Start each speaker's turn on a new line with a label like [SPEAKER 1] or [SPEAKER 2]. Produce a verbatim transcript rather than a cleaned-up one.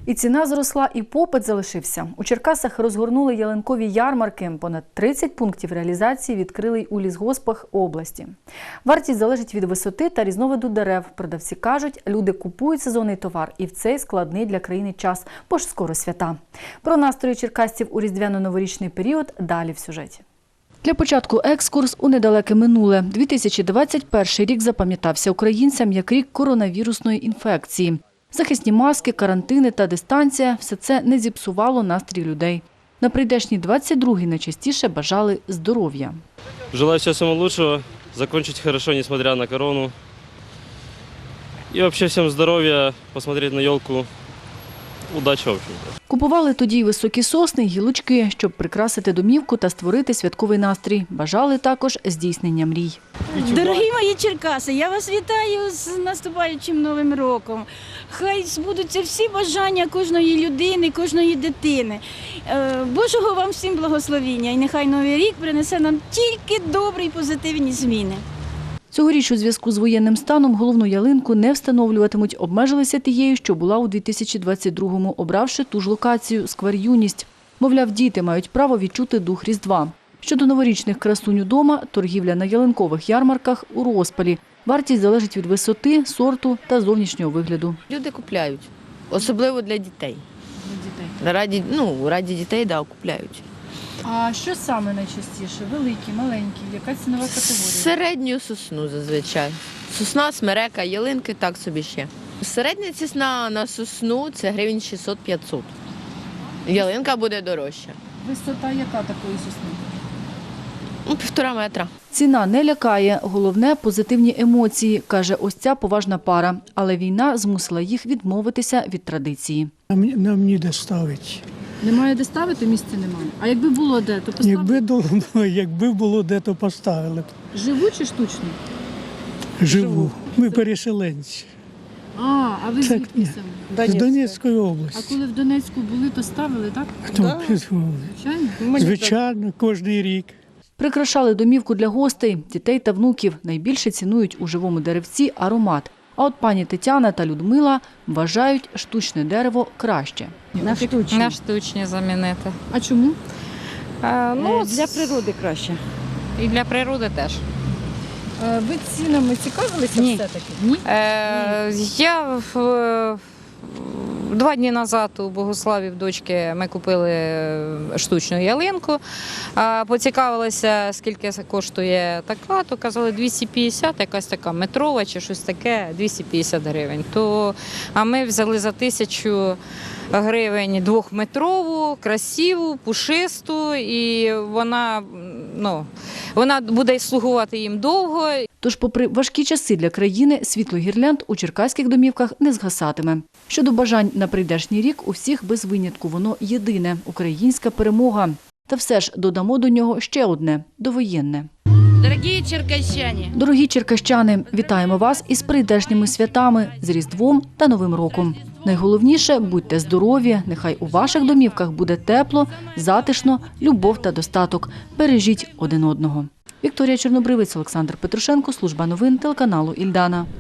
[SPEAKER 1] І ціна зросла, і попит залишився. У Черкасах розгорнули ялинкові ярмарки. Понад тридцять пунктів реалізації відкрили й у лісгоспах області. Вартість залежить від висоти та різновиду дерев. Продавці кажуть, люди купують сезонний товар і в цей складний для країни час, бо ж скоро свята. Про настрої черкасців у різдвяно-новорічний період далі в сюжеті. Для початку екскурс у недалеке минуле. дві тисячі двадцять перший рік запам'ятався українцям як рік коронавірусної інфекції. Захисні маски, карантини та дистанція – все це не зіпсувало настрій людей. На прийдешній двадцять другий найчастіше бажали здоров'я.
[SPEAKER 2] Желаю всего самого лучшего, закончить хорошо, несмотря на корону. И вообще всем здоровья, посмотреть на елку. Удачи, в общем-то.
[SPEAKER 1] Купували тоді й високі сосни, й гілочки, щоб прикрасити домівку та створити святковий настрій. Бажали також здійснення мрій.
[SPEAKER 3] Дорогі мої черкаси, я вас вітаю з наступаючим Новим роком. Хай збудуться всі бажання кожної людини, кожної дитини. Божого вам всім благословіння і нехай Новий рік принесе нам тільки добрі і позитивні зміни.
[SPEAKER 1] Цьогоріч у зв'язку з воєнним станом головну ялинку не встановлюватимуть, обмежилися тією, що була у дві тисячі двадцять другому, обравши ту ж локацію – сквер «Юність». Мовляв, діти мають право відчути дух Різдва. Щодо новорічних красунь удома, торгівля на ялинкових ярмарках у розпалі. Вартість залежить від висоти, сорту та зовнішнього вигляду.
[SPEAKER 4] Люди купляють, особливо для дітей.
[SPEAKER 1] Для дітей.
[SPEAKER 4] Раді, ну, раді дітей, да, купляють.
[SPEAKER 1] А що саме найчастіше? Великі, маленькі? Яка цінова категорія?
[SPEAKER 4] Середню сосну зазвичай. Сосна, смерека, ялинки, так собі ще. Середня ціна на сосну – це гривень шістсот - п'ятсот. Ялинка буде дорожча.
[SPEAKER 1] Висота яка такої сосни?
[SPEAKER 4] Ну, півтора метра.
[SPEAKER 1] Ціна не лякає, головне – позитивні емоції, каже ось ця поважна пара. Але війна змусила їх відмовитися від традиції.
[SPEAKER 5] Нам, нам ніде ставить.
[SPEAKER 1] Немає де ставити, місця немає. А якби було де, то поставили?
[SPEAKER 5] Якби, до- якби було де, то поставили б.
[SPEAKER 1] Живу чи штучно?
[SPEAKER 5] Живу. Ми переселенці.
[SPEAKER 1] А, а ви
[SPEAKER 5] Так,
[SPEAKER 1] звідки
[SPEAKER 5] ні.
[SPEAKER 1] самі?
[SPEAKER 5] З Донецької
[SPEAKER 1] А
[SPEAKER 5] області.
[SPEAKER 1] коли в Донецьку були, то ставили, так?
[SPEAKER 5] Хто підзвонив?
[SPEAKER 1] Звичайно.
[SPEAKER 5] Звичайно, кожен рік.
[SPEAKER 1] Прикрашали домівку для гостей, дітей та внуків. Найбільше цінують у живому деревці аромат. А от пані Тетяна та Людмила вважають штучне дерево краще.
[SPEAKER 6] На штучні.
[SPEAKER 7] На штучні замінити.
[SPEAKER 1] А чому?
[SPEAKER 7] Е, ну,
[SPEAKER 6] Для природи краще.
[SPEAKER 7] і для природи теж.
[SPEAKER 1] Ви цінами цікавилися
[SPEAKER 6] Ні.
[SPEAKER 1] все-таки? Ні.
[SPEAKER 7] Е, я в, два дні назад у Богославі в дочки ми купили штучну ялинку. А, поцікавилися, скільки коштує така, то казали двісті п'ятдесят, якась така метрова чи щось таке, двісті п'ятдесят гривень. То, а ми взяли за тисячу гривень двохметрову, красиву, пушисту, і вона, ну, вона буде слугувати їм довго.
[SPEAKER 1] Тож, попри важкі часи для країни, світло гірлянд у черкаських домівках не згасатиме. Щодо бажань на прийдешній рік, у всіх без винятку воно єдине – українська перемога. Та все ж додамо до нього ще одне – довоєнне.
[SPEAKER 3] Дорогі черкащані!
[SPEAKER 1] Дорогі черкащани, вітаємо вас із прийдешніми святами, з Різдвом та Новим роком. Найголовніше – будьте здорові, нехай у ваших домівках буде тепло, затишно, любов та достаток. Бережіть один одного. Вікторія Чорнобривець, Олександр Петрушенко, служба новин телеканалу «Ільдана».